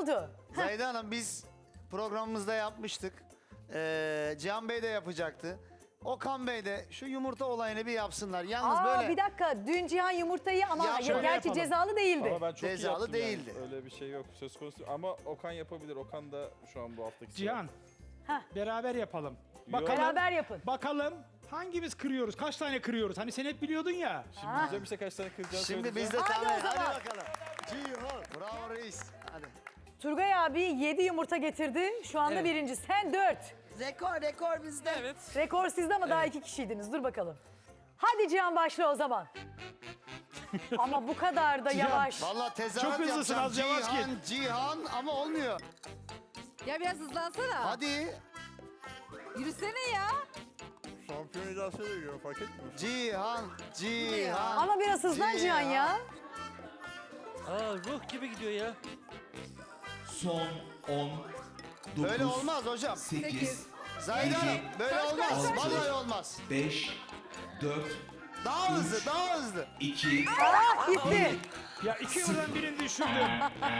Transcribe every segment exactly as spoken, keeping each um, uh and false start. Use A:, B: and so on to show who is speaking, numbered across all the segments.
A: oldu?
B: Zahide Hanım biz programımızda yapmıştık. Ee, Cihan Bey de yapacaktı. Okan Bey de şu yumurta olayını bir yapsınlar. Yalnız
A: Aa
B: böyle
A: bir dakika dün Cihan yumurtayı ama
B: Ya
A: ya,
B: şöyle
A: gerçi
C: yapalım.
A: cezalı değildi.
C: Ama ben çok iyi
B: Cezalı
C: yaptım
B: değildi.
C: Yani. Öyle bir şey yok söz konusu. Ama Okan yapabilir. Okan da şu an bu haftaki sıra.
D: Cihan.
A: Heh.
D: Beraber yapalım.
C: Yok.
D: Bakalım,
A: Beraber yapın.
D: bakalım hangimiz kırıyoruz? Kaç tane kırıyoruz? Hani sen hep biliyordun ya.
C: Şimdi diyeceğim işte kaç tane kıracağını
B: şimdi
C: söyleyeceğim.
B: biz de
A: Hadi
B: tahmin.
A: o zaman.
B: Hadi bakalım. Cihan. Bravo reis. Hadi.
A: Turgay abi yedi yumurta getirdi. Şu anda
E: Evet.
A: birinci. Sen dört.
E: Rekor, rekor bizde.
F: Evet.
A: Rekor sizde ama daha iki kişiydiniz. Dur bakalım. Hadi Cihan başla o zaman. Ama bu kadar da
D: Cihan,
A: yavaş.
B: Vallahi tezahürat
D: Çok hızlısın,
B: yapacağım.
D: az yavaş
B: Cihan, Cihan ama olmuyor.
G: Ya biraz hızlansana.
B: Hadi.
G: Yürüsene ya.
C: Şampiyon edasıyla geliyor fark etmiyor.
B: Cihan, Cihan.
A: Ama biraz hızlan Cihan ya.
F: Aa ruh gibi gidiyor ya.
H: Son on, dokuz,
B: Böyle olmaz hocam.
H: sekiz,
B: Zahide Hanım böyle olmaz.
H: kaç,
B: Vallahi
H: kaç.
B: olmaz.
H: beş, dört,
B: Daha hızlı, daha hızlı.
H: iki,
A: Ah gitti.
D: Ya iki yıldan birini düşürdüm.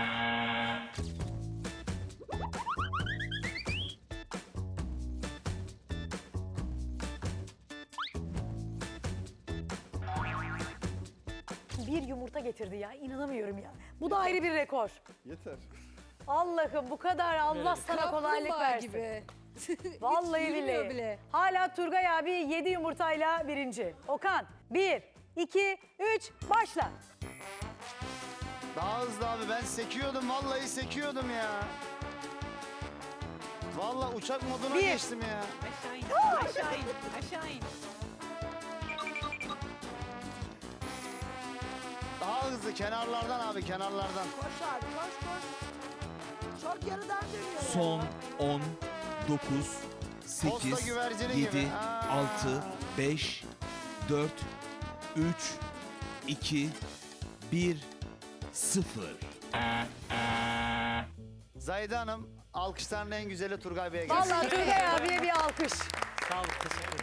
A: Bir yumurta getirdi ya. İnanamıyorum ya. Bu da ayrı bir rekor.
C: Yeter.
A: Allah'ım bu kadar Allah sana kolaylık
G: Kaplumbağa
A: versin.
G: gibi.
A: Vallahi
G: Hiç yürümüyor
A: billahi.
G: bile.
A: Hala Turgay abi yedi yumurtayla birinci. Okan bir, iki, üç başla.
B: Daha hızlı abi. Ben sekiyordum. Vallahi sekiyordum ya. Vallahi uçak moduna
A: Bir.
B: geçtim ya.
F: Aşağı in. Aşağı in. Aşağı in.
B: Daha hızlı kenarlardan abi kenarlardan.
E: Koş abi, koş koş. Çok geriden dönüyor.
H: son on, dokuz,
B: Posta
H: sekiz,
B: güvercini
H: yedi,
B: gibi. Aa.
H: altı, beş, dört, üç, iki, bir, sıfır.
B: Zahide Hanım alkışların en güzeli Turgay Bey'e gelsin.
A: Vallahi Turgay abiye bir alkış.
F: Sağ ol. Teşekkür ederim.